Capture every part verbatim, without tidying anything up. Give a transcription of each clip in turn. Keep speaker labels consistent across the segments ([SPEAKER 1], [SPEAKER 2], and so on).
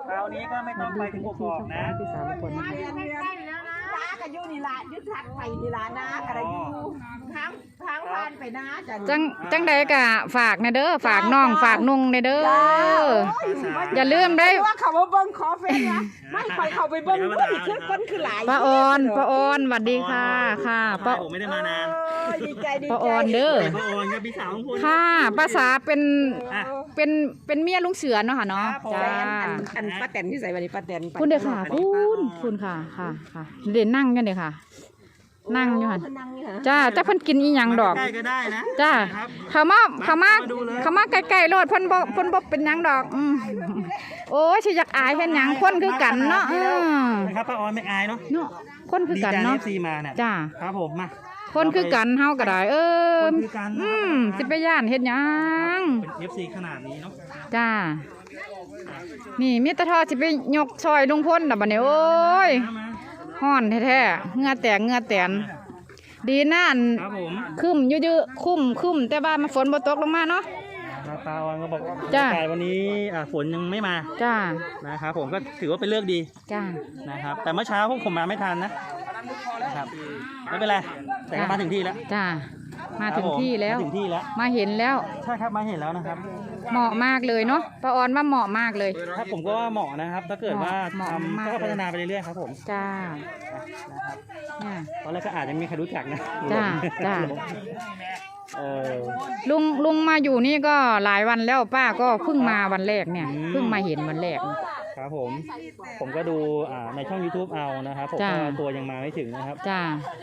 [SPEAKER 1] คราวนี้ก็ไม่ต้องไปถึงกกอกนะ
[SPEAKER 2] พี่สาวคนนะคะ
[SPEAKER 3] น้ากับยูนี่ละยุทธัดไปนี่ละน้าอะไรยูทั้งทั้งพานไปน้าจัน
[SPEAKER 2] จังจังใดกะฝากนะเด้อฝากน้องฝากนุ่งในเด้ออย่าลืมได้
[SPEAKER 3] ว่าเขามาเบิ้งขอเฟซนะไม่ไปเขาไปเบิ้งผู้ที่ขึ้นคนคือหลาย
[SPEAKER 2] ป้าออนป้าออนสวัสดีค่ะค่ะป้า
[SPEAKER 1] ผมไม่ได้มานาน
[SPEAKER 3] ดีใจดีใจ
[SPEAKER 2] ป้าออนเด้อ
[SPEAKER 1] ป้าออนกับพี่สาวของคุณ
[SPEAKER 2] ค่ะป้าสาเป็นเป็นเป็นเมียลุงเสือเนาะค่ะเนาะจ้า
[SPEAKER 3] อันป้าแตนที่ใส่วันนี้ป้าแตน
[SPEAKER 2] คุณเด้อค่ะคุณคุณค่ะค่ะค่ะเด่นนั่งกันเด้อค่ะนั่งอยู่ค่ะจ้าจ้าเพิ่นกินอีหยังดอก
[SPEAKER 1] ใกล้ก็ได้นะ
[SPEAKER 2] จ้าเขามาเขามาเขามาใกล้ๆรถเพิ่นบ่เพิ่นบ่เป็นหยังดอกอืมโอ้ยสิอยากอายเฮ็ดหยังคนคือกันเนาะเออ
[SPEAKER 1] นะครับป้าออนไม่อายเนาะ
[SPEAKER 2] เนาะคนคือกันเนาะ
[SPEAKER 1] ดีใจ เอฟ ซี มาเนี่ย
[SPEAKER 2] จ้า
[SPEAKER 1] ครับผมมา
[SPEAKER 2] คนคือกันเฮาก็ได้เอออืมสิไปย่านเฮ็ดหยัง
[SPEAKER 1] เป็น เอฟ ซี ขนาดนี้เนาะ
[SPEAKER 2] จ้านี่มีตะทอสิไปยกซอยลุงพลน่ะบัดนี้โอ้ยฮ้อนแท้ๆเหงื่อแตกเหงื่อแตนดีนะอันคึมเยอะๆคุ้มคุ้มแต่ว่ามันฝนบ่ตกลงมาเนาะ
[SPEAKER 1] ป้าออนก็บอก
[SPEAKER 2] จ้า
[SPEAKER 1] วันนี้ฝนยังไม่มา
[SPEAKER 2] จ้า
[SPEAKER 1] นะครับผมก็ถือว่าเป็นเลือกดี
[SPEAKER 2] จ้า
[SPEAKER 1] นะครับแต่เมื่อเช้าพวกผมมาไม่ทันนะครับไม่เป็นไรแต่ก็มาถึงที่แล้ว
[SPEAKER 2] จ้ามาถึงที่แล้ว
[SPEAKER 1] มาถึงที่แล้ว
[SPEAKER 2] มาเห็นแล้ว
[SPEAKER 1] ใช่ครับมาเห็นแล้วนะครับ
[SPEAKER 2] เหมาะมากเลยเนาะป้าออนว่าเหมาะมากเลย
[SPEAKER 1] ถ้าผมก็ว่าเหมาะนะครับถ้าเกิดว่าทำก็พัฒนาไปเรื่อยๆครับผม
[SPEAKER 2] จ้า
[SPEAKER 1] นะครับตอนแรกก็อาจจะไม่มีใครรู้จักนะ
[SPEAKER 2] จ้าจ้า
[SPEAKER 1] เออ
[SPEAKER 2] ลุงลุงมาอยู่นี่ก็หลายวันแล้วป้าก็เพิ่งมาวันแรกเนี่ยเพิ่งมาเห็นวันแรก
[SPEAKER 1] ครับผมผมก็ดูอ่าในช่อง ยูทูบ เอานะครับผมก็ตัวยังมาไม่ถึงนะครับ
[SPEAKER 2] จ้า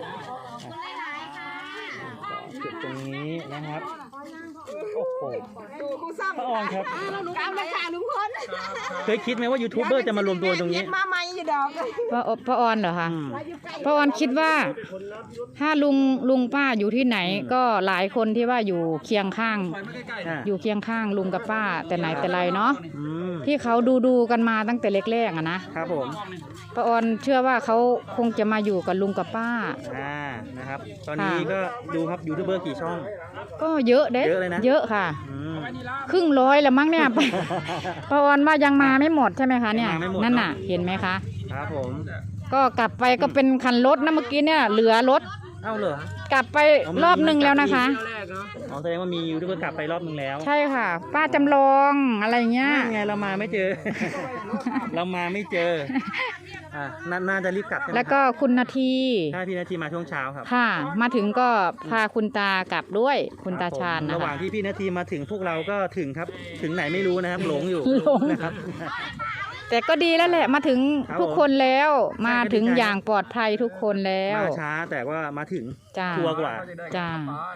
[SPEAKER 1] จุดตรงนี้นะครับโอ้โหป้าออนครับ
[SPEAKER 3] กำลังขาลุงพล
[SPEAKER 1] เคยคิดไหมว่ายูทูบเบอร์จะมารวมตัวตรงนี้
[SPEAKER 3] มาใหม่อยู่ดอก
[SPEAKER 2] ป้าป้าออนเหรอคะป้าออนคิดว่าถ้าลุงลุงป้าอยู่ที่ไหนก็หลายคนที่ว่าอยู่เคียงข้างอยู่เคียงข้างลุงกับป้าแต่ไหนแต่ไรเนาะที่เขาดูดูกันมาตั้งแต่แรกๆอะ
[SPEAKER 1] นะครับผม
[SPEAKER 2] ป้าออนเชื่อว่าเขาคงจะมาอยู่กับลุงกับป้า
[SPEAKER 1] อ่านะครับตอนนี้ก็ดูครับยูทูบเบอร์กี่ช่อง
[SPEAKER 2] ก็เยอะเด้เยอะค่ะครึ่งร้อยแล้วมั้งเนี่ยป้าออนว่ายังมาไม่หมดใช่ไหมคะเนี่ยนั่นน่ะเห็นไหมคะ
[SPEAKER 1] ครับผม
[SPEAKER 2] ก็กลับไปก็เป็นคันรถนะเมื่อกี้เนี่ยเหลือรถ
[SPEAKER 1] เอ้าเหร
[SPEAKER 2] อกลับไปรอบนึงแล้วนะคะ
[SPEAKER 1] อ๋อแสดงว่ามียูทูบเบอร์กลับไปรอบนึงแล้ว
[SPEAKER 2] ใช่ค่ะป้าจำลองอะไรเงี้ย
[SPEAKER 1] ไงเรามาไม่เจอเรามาไม่เจออ่าน่าจะรีบกลับ
[SPEAKER 2] แล้วก็คุณนาที
[SPEAKER 1] ใช่พี่นาทีมาช่วงเช้าครับ
[SPEAKER 2] ค่ะมาถึงก็พาคุณตากลับด้วยคุณตาชาญนะคะ
[SPEAKER 1] ระหว่างที่พี่นาทีมาถึงพวกเราก็ถึงครับถึงไหนไม่รู้นะครับหลงอยู่นะครับ
[SPEAKER 2] แต่ก็ดีแล้วแหละมาถึงทุกคนแล้วมาถึงอย่างปลอดภัยทุกคนแล้ว
[SPEAKER 1] มาช้าแต่ว่ามาถึงชัวร์กว่า
[SPEAKER 2] จ้า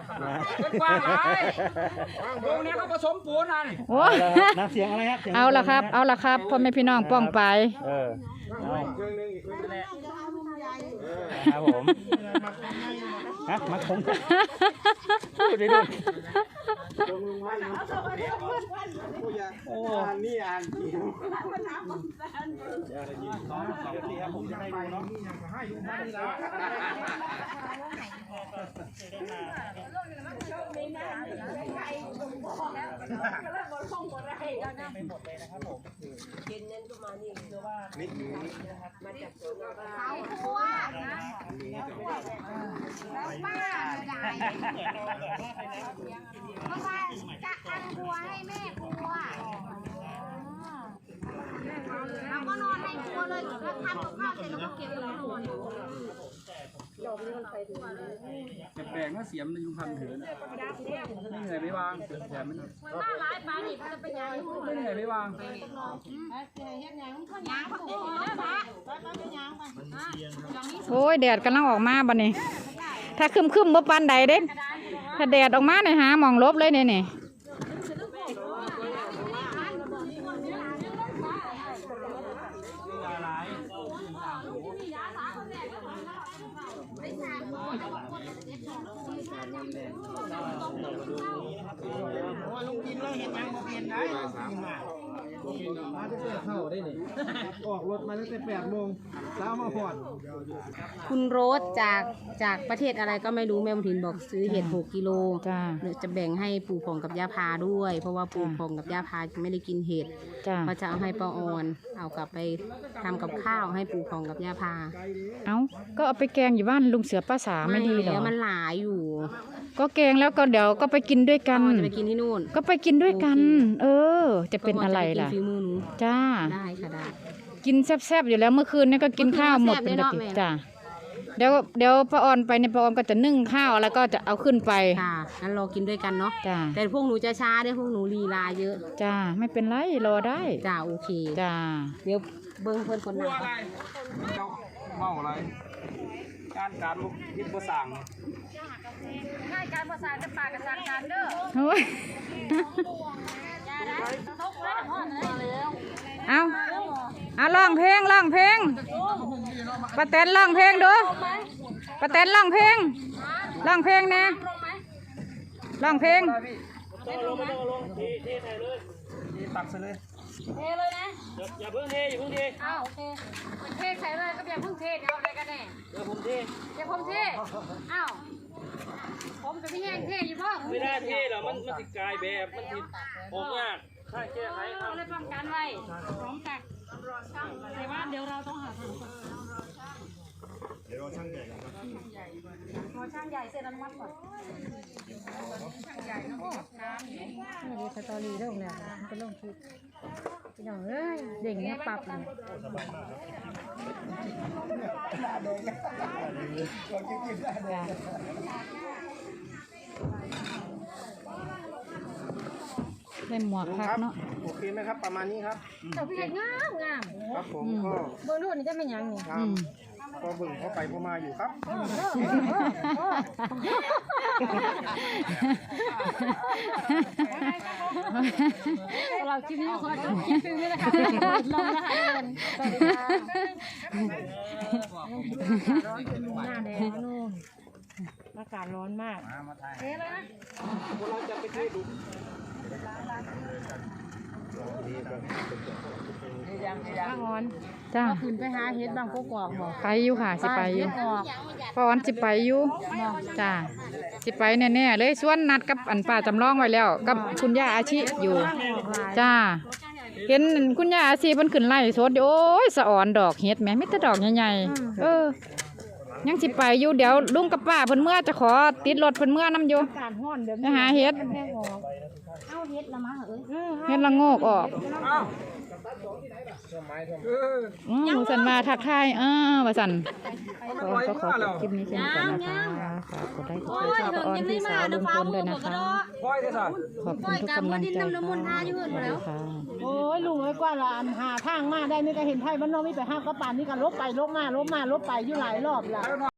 [SPEAKER 4] ตรงนี้เขาผสมปูนนั่น
[SPEAKER 2] โอ้
[SPEAKER 1] น้ำเสียงอะไรครับ
[SPEAKER 2] เอาละครับเอาละครับพ่อแม่พี่น้องป้องไป
[SPEAKER 1] เออครับผมฮะมาคงพูดได้ด้วยโอ้นี่อ่านจริงผมจะให้ดูเนาะไม่หมดเลยนะครับผมเย็นนั้นก็มานี่เชื่อว่านิดนึงนะครับมาจาก
[SPEAKER 3] เขาครัวนะแล้วป้าจะได้เพราะว่าจะอันครัวให้แม่ครัวเราก็นอนในครัวเลยแล้วทำกับข้าวเสร็จแล้วก็เก็บแล้วนอน
[SPEAKER 4] แปลงถ้าเสียมในยุงพันเถื่อนไม่เหนื่อยไม่วางแถมไม่เหนื่อย
[SPEAKER 3] หน้าร้ายปลาดิบจะเป็นยัง
[SPEAKER 4] ไม่เหนื่อยไม่วาง
[SPEAKER 2] โอ้ยแดดกำลังออกมาบัดนี้ถ้าคึมคึมบ่ปานใดเด้ถ้าแดดออกมาเนี่ยหามองลบเลยเนี่ยนี่
[SPEAKER 1] ลุงกินแล้วเห็นยังเปลี่ยนได้
[SPEAKER 5] มาตั้งแต่เข้าได้นี่ออกรถมาตั้งแต่แปดโมงเช้ามาพอด
[SPEAKER 6] คุณโรสจากจากประเทศอะไรก็ไม่รู้แม่บุญถินบอกซื้อเห็ดหกกิโล
[SPEAKER 2] จ้า
[SPEAKER 6] เดี๋ยวจะแบ่งให้ปู่พองกับย่าพาด้วย เพราะว่าปู่พองกับย่าพาไม่ได้กินเห็ด
[SPEAKER 2] จ้า
[SPEAKER 6] เขาจะเอาให้ป้าออนเอากลับไปทำกับข้าวให้ปู่พองกับย่าพา
[SPEAKER 2] เอาก็เอาไปแกงอยู่บ้านลุงเสือป้าสาไม่ดีเหรอ
[SPEAKER 6] แล้วมันหลายอยู่
[SPEAKER 2] ก็แกงแล้วก็เดี๋ยวก็ไปกินด้วยกัน
[SPEAKER 6] ป้าออนจะไปกินที่นู่น
[SPEAKER 2] ก็ไปกินด้วยกัน เออ จะเป็นอะไรล่ะ
[SPEAKER 6] ก็บอกจปกินฝีมือหนู
[SPEAKER 2] จ้า
[SPEAKER 6] ได้ค่ะได้
[SPEAKER 2] กินแซ่บๆอยู่แล้วเมื่อคืนนี่ก็กินข้าวหมดเป็นปกติจ้าเดี๋ยวเดี๋ยวป้าออนไปในป้าออนก็จะนึ่งข้าวแล้วก็จะเอาขึ้นไป
[SPEAKER 6] ค่ะงั้นรอกินด้วยกันเนาะ
[SPEAKER 2] จ้า
[SPEAKER 6] แต่พวกหนูจะช้าด้วยพวกหนูลีลาเยอะ
[SPEAKER 2] จ้าไม่เป็นไรรอได้
[SPEAKER 6] จ้าโอเค
[SPEAKER 2] จ้า
[SPEAKER 6] เดี๋ยวเบิ้งเพื่อนคนหนัก
[SPEAKER 4] เจ้าเมาอะไรการการบุกยิบประสัง
[SPEAKER 2] โอ้ยเอาเอาร้องเพลงร้องเพลงป้าแตนร้องเพลงดูป้าแตนร้องเพลงร้องเพลงนะร้องเพลง
[SPEAKER 4] ตักใส่เลย
[SPEAKER 1] เทเลยนะอย่าเพิ่งเทอย่าเพิ่งเท
[SPEAKER 7] อ้าวโอเคมันเทใส่เลยก็อย่าเพิ่งเทเดี๋ยวอะไรกันแน่
[SPEAKER 1] เดี๋ยวผมเท
[SPEAKER 7] เดี๋ยวผมเทอ้าวผมจะไม่แห้งเทอยู่พ่อ
[SPEAKER 1] ไม่ได้เทหรอกมันมันติดกายแบบมันติดผมยากใช่แก้ไขค
[SPEAKER 7] เรา
[SPEAKER 1] รับ
[SPEAKER 7] เลยป้องกันไว้พร้อมกันแต่ว่าเดี๋ยวเราต้องหาทางเดี๋ยวรอช่างใหญ่ครับรอช่างใหญ่เซ็นอนุมัติก่อนช่างใหญ่นะพ่อน้ำนี่ดีสตอรี่เรื่องเนี่ยมันเป็นเรื่องคิดพี่น้องเอ้ยเด่งเนี่ยปรับเลย
[SPEAKER 2] ได้หมวกคักเนาะ
[SPEAKER 5] โอเคไหมครับประมาณนี้ครับ
[SPEAKER 7] เจ้าพี่เห็นงามงาม
[SPEAKER 5] ครับผมก็
[SPEAKER 7] เบอร์รุ่นนี่จะเป็นยังนี่
[SPEAKER 5] งามก็บึ่งเข้าไปเข้ามาอยู่ครับ
[SPEAKER 7] เราคลิปนี้ขอจบคลิปนี้นะคะลงนะคะสวัสดีค่ะหน้าแดงนู่นอากาศร้อนมากเอ๊ะเลยนะ
[SPEAKER 5] เราจะไปเทดู
[SPEAKER 7] ป้าออน
[SPEAKER 2] จ้า
[SPEAKER 7] ขึ้นไปหาเฮ็ดบางกอกบอก
[SPEAKER 2] ไปอยู่ค่ะสิไปอยู่
[SPEAKER 7] ออก
[SPEAKER 2] ป้าออนสิไปอยู่จ้าสิไปแน่ๆเลยส่วนนัดกับอันป้าจำลองไว้แล้ว กับคุณย่าอาชิอยู่ จ้าเห็นคุณย่าอาชีเพิ่นขึ้นไล่สดอยู่โอ้ยสะอ่อนดอกเฮ็ดแหม่มีแต่ดอกใหญ่ๆเออ ยังสิไปอยู่เดี๋ยวลุงกับป้าเพิ่นเมื่อจะขอติดรถเพิ่นเมื่อนํอยู่
[SPEAKER 7] การห้อนเดี๋ยว
[SPEAKER 2] ไปหาเฮ็ด
[SPEAKER 7] แห้งออกเอาเฮ็ดละมาเอ้ย
[SPEAKER 2] เฮ็ดละโงกออกอือสันมาทักทายเออว่าสันก็ก็ขอจบคลิปนี้เช่นกันนะคะฝากกดไลค์กดแชร์ช่องป้าออนพี่สาวลุงพลด้วยนะคะ
[SPEAKER 4] ค่อยได้สั่น
[SPEAKER 2] ขอบคุณทุกกำลังใจค่ะสวัสดีค่ะ
[SPEAKER 3] โอ้ยลุงเอ้ยกว่าละอันหาทางมาได้นี่ก็เห็นไทยบ้านนอกมีไปห้ามกระปานนี่ก็ลบไปลบมาลบมาลบไปอยู่หลายรอบละ